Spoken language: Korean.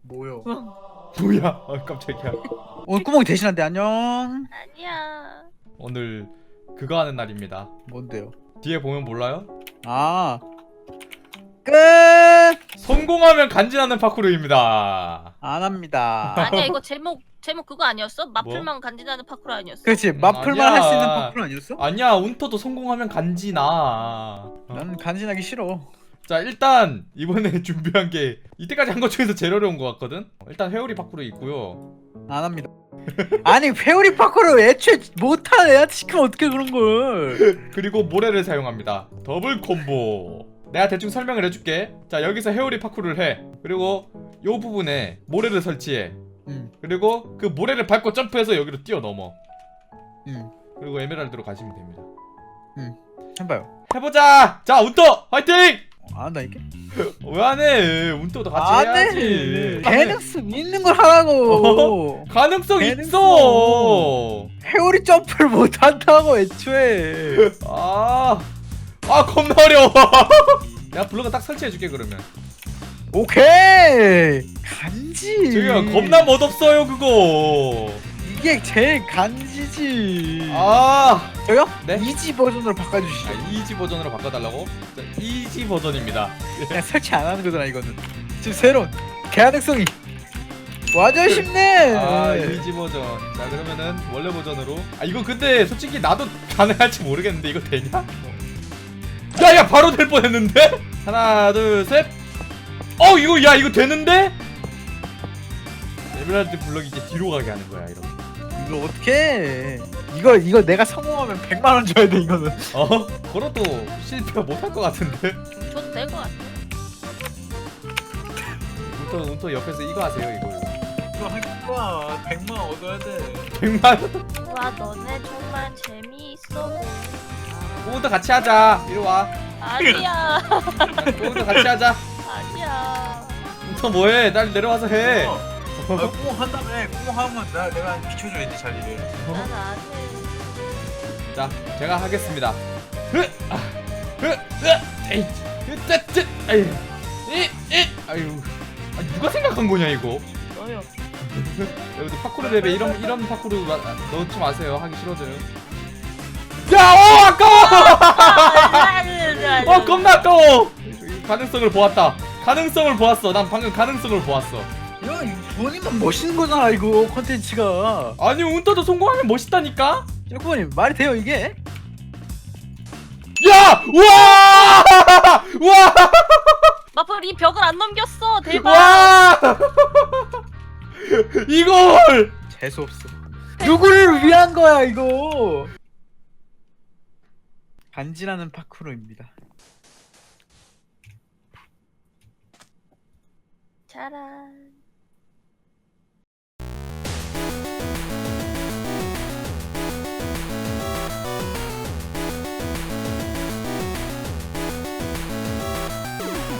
뭐요? 뭐야? 깜짝이야. 오늘 구멍이 대신한데 안녕. 아니야. 오늘 그거 하는 날입니다. 뭔데요? 뒤에 보면 몰라요? 아 끝. 성공하면 간지나는 파쿠르입니다. 안 합니다. 아니야 이거 제목 그거 아니었어? 마플만 간지나는 파쿠르 아니었어? 그렇지 마플만 아니야. 할 수 있는 파쿠르 아니었어? 아니야, 운터도 성공하면 간지나. 난 간지나기 싫어. 자, 일단 이번에 준비한 게 이때까지 한 것 중에서 제일 어려운 것 같거든. 일단 회오리 파쿠르 있고요. 안 합니다. 아니 회오리 파쿠르 애초에 못하는 애한테 시키면 어떻게 그런 걸? 그리고 모래를 사용합니다. 더블 콤보. 내가 대충 설명을 해줄게. 자, 여기서 회오리 파쿠르를 해. 그리고 요 부분에 모래를 설치해. 그리고 그 모래를 밟고 점프해서 여기로 뛰어넘어. 그리고 에메랄드로 가시면 됩니다. 해봐요. 해보자. 자, 운터 화이팅. 안 한다니까? 왜 안 해? 운터도 같이 안 해야지. 해. 가능성 있는 걸 하라고. 가능성 가능성. 있어. 회오리 점프를 못 한다고 애초에. 아 겁나 어려워. 내가 블록은 딱 설치해줄게 그러면. 오케이. 간지. 저기요, 겁나 멋없어요 그거. 이게 제일 간지지. 아 저요? 네? 이지 버전으로 바꿔주시죠. 이지 버전으로 바꿔달라고? 자, 이지 버전입니다. 그냥 설치 안 하는 거잖아 이거는. 지금 새로운 가능성이 완전 쉽네. 이지 버전. 자, 그러면은 원래 버전으로. 이거 근데 솔직히 나도 가능할지 모르겠는데 이거 되냐? 야야, 바로 될 뻔했는데. 하나 둘 셋. 이거 이거 되는데? 에메랄드 블럭이 이제 뒤로 가게 하는 거야 이렇게. 이거 어떡해. 이거 내가 성공하면 100만 원 줘야 돼 이거는. 걸어도 실패 못할 것 같은데. 줘도 될 것 같아. 운터 옆에서 이거 하세요 이걸로. 이거 할 거야. 100만 원 얻어야 돼. 100만. 와 너네 정말 재미있어. 운터 같이 하자. 이리 와. 아니야. 운터 같이 하자. 아니야. 운터 뭐해? 날 내려와서 해. 꽁 한다며. 꽁 하면 내가 비춰줘야지 자리를. 난 안 해. 자, 제가 하겠습니다. 아유, 누가 생각한 거냐 이거? 너요. 여기도 파쿠르 랩에 이런 파쿠르 넣지 마세요. 하기 싫어져요. 야, 아까워! 겁나 아까워! 가능성을 보았다. 가능성을 보았어. 난 방금 가능성을 보았어. 야 이거 본인만 멋있는 거잖아 이거 컨텐츠가. 아니, 운터도 성공하면 멋있다니까? 쩌꾸님 말이 돼요 이게? 야! 우와! 우와! 마플 이 벽을 안 넘겼어. 대박. 와! 이걸! 재수 없어. 누구를 위한 거야 이거? 간지나는 파쿠르입니다. 짜란.